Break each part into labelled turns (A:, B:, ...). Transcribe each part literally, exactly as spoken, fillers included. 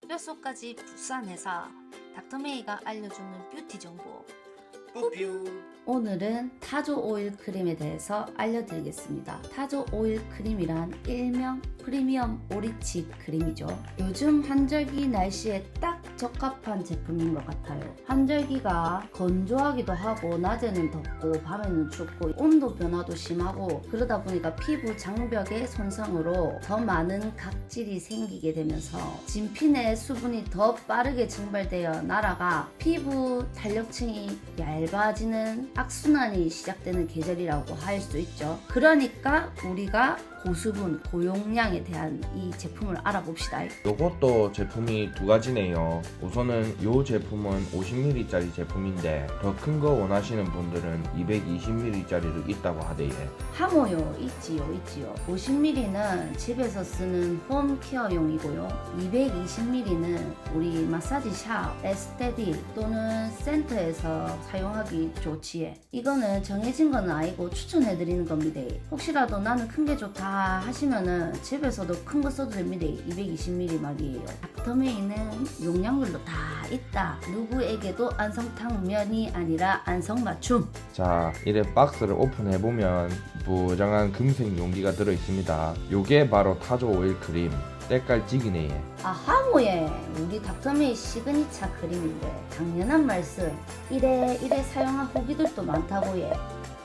A: 뼛속까지 부산회사 닥터메이가 알려주는 뷰티 정보.
B: 뿌뷰.
C: 오늘은 타조 오일 크림에 대해서 알려드리겠습니다. 타조 오일 크림이란 일명 프리미엄 오리치 크림이죠. 요즘 환절기 날씨에 딱 적합한 제품인 것 같아요. 환절기가 건조하기도 하고 낮에는 덥고 밤에는 춥고 온도 변화도 심하고 그러다 보니까 피부 장벽의 손상으로 더 많은 각질이 생기게 되면서 진피 내 수분이 더 빠르게 증발되어 날아가 피부 탄력층이 얇아지는 악순환이 시작되는 계절이라고 할 수 있죠. 그러니까 우리가 고수분, 고용량에 대한 이 제품을 알아봅시다.
B: 요것도 제품이 두 가지네요. 우선은 요 제품은 오십 밀리리터 짜리 제품인데 더 큰 거 원하시는 분들은 이백이십 밀리리터 짜리도 있다고 하대요.
C: 하모요, 있지요, 있지요. 오십 밀리리터는 집에서 쓰는 홈케어용이고요. 이백이십 밀리리터는 우리 마사지 샵, 에스테틱 또는 센터에서 사용하기 좋지에. 이거는 정해진 건 아니고 추천해드리는 겁니다. 혹시라도 나는 큰 게 좋다 하시면은 집에서도 큰 거 써도 됩니다. 이백이십 밀리리터 말이에요. 닥터메이는 용량별로 다 있다. 누구에게도 안성탕면이 아니라 안성맞춤.
B: 자, 이래 박스를 오픈해보면 무장한 금색 용기가 들어있습니다. 요게 바로 타조 오일 크림. 때깔 찌기네.
C: 아, 하모예 우리 닥터메이 시그니처 크림인데 당연한 말씀. 이래 이래 사용한 후기들도 많다고 예.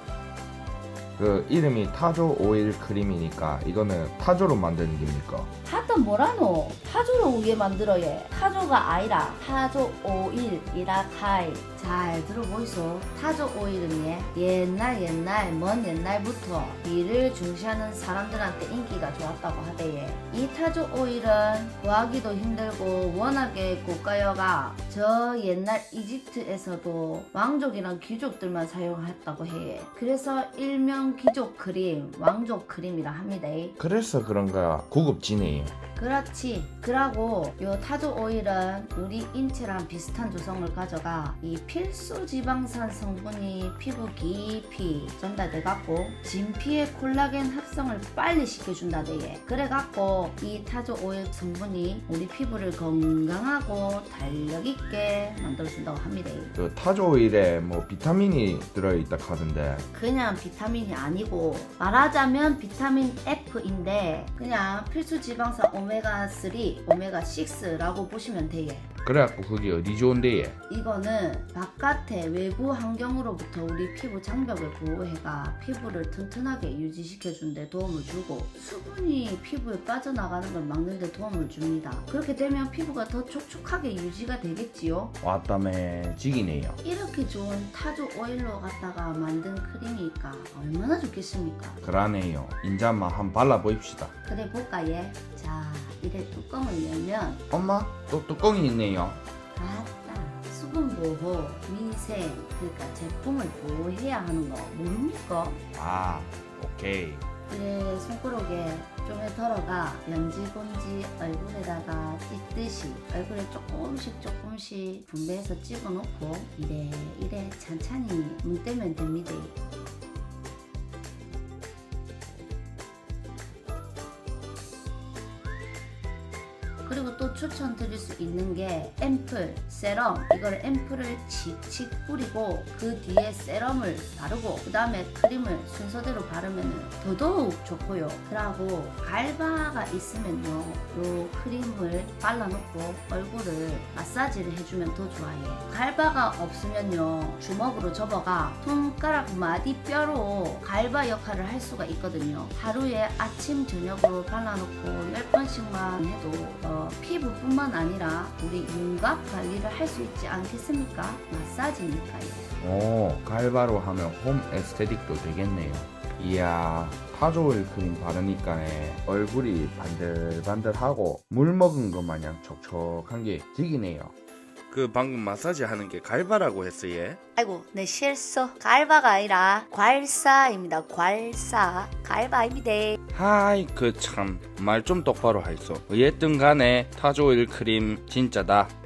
B: 그 이름이 타조 오일 크림이니까 이거는 타조로 만드는 겁니까?
C: 하여튼 뭐라노? 타조로 우게 만들어 예. 타조가 아니라 타조 오일이라 카이. 잘 들어보이소. 타조 오일은 예 옛날 옛날 먼 옛날부터 이를 중시하는 사람들한테 인기가 좋았다고 하대예. 이 타조 오일은 구하기도 힘들고 워낙에 고가여가 저 옛날 이집트에서도 왕족이랑 귀족들만 사용했다고 해. 그래서 일명 귀족 크림, 왕족 크림이라 합니다.
B: 그래서 그런가 고급지네.
C: 그렇지. 그러고 요 타조 오일은 우리 인체랑 비슷한 조성을 가져가 이 필수 지방산 성분이 피부 깊이 전달돼 갖고 진피의 콜라겐 합성을 빨리 시켜준다대. 그래 갖고 이 타조 오일 성분이 우리 피부를 건강하고 탄력 있게 만들어준다고 합니다.
B: 그 타조 오일에 뭐 비타민이 들어있다 하던데.
C: 그냥 비타민이 아니고 말하자면 비타민 F인데 그냥 필수 지방산 오메가 삼, 오메가 육라고 보시면 돼요.
B: 그래갖고 그게 어디 좋은데 얘?
C: 이거는 바깥의 외부 환경으로부터 우리 피부 장벽을 보호해가 피부를 튼튼하게 유지시켜준 데 도움을 주고 수분이 피부에 빠져나가는 걸 막는 데 도움을 줍니다. 그렇게 되면 피부가 더 촉촉하게 유지가 되겠지요.
B: 왔다매 지기네요.
C: 이렇게 좋은 타조 오일로 갖다가 만든 크림이니까 얼마나 좋겠습니까?
B: 그러네요. 인자 한번 한번 발라보입시다.
C: 그래 볼까 예? 자, 이래 뚜껑을 열면
B: 엄마 또 뚜껑이 있네요.
C: 아따, 수분 보호, 위생, 그러니까 제품을 보호해야 하는 거 모릅니까?
B: 아, 오케이.
C: 그래 손가락에 좀에 덜어가 연지곤지 얼굴에다가 찢듯이 얼굴에 조금씩 조금씩 분배해서 찍어놓고 이래 이래 찬찬히 문대면 됩니다. 그리고 또 추천드릴 수 있는 게 앰플, 세럼. 이걸 앰플을 칙칙 뿌리고 그 뒤에 세럼을 바르고 그 다음에 크림을 순서대로 바르면 더더욱 좋고요. 그리고 갈바가 있으면요, 요 크림을 발라놓고 얼굴을 마사지를 해주면 더 좋아요. 갈바가 없으면요, 주먹으로 접어가 손가락 마디뼈로 갈바 역할을 할 수가 있거든요. 하루에 아침 저녁으로 발라놓고 열 번씩만 해도 어, 피부뿐만 아니라 우리 윤곽 관리를 할 수 있지 않겠습니까? 마사지니까요.
B: 오, 갈바로 하면 홈 에스테틱도 되겠네요. 이야, 타조 오일 크림 바르니까 얼굴이 반들반들하고 물 먹은 것 마냥 촉촉한 게 지기네요. 그 방금 마사지 하는 게 갈바라고 했어요?
A: 아이고, 내 실수. 갈바가 아니라 괄사입니다. 괄사. 갈바 아닙니다.
B: 하이, 그 참 말 좀 똑바로 하이소. 어쨌든 간에 타조 오일 크림 진짜다.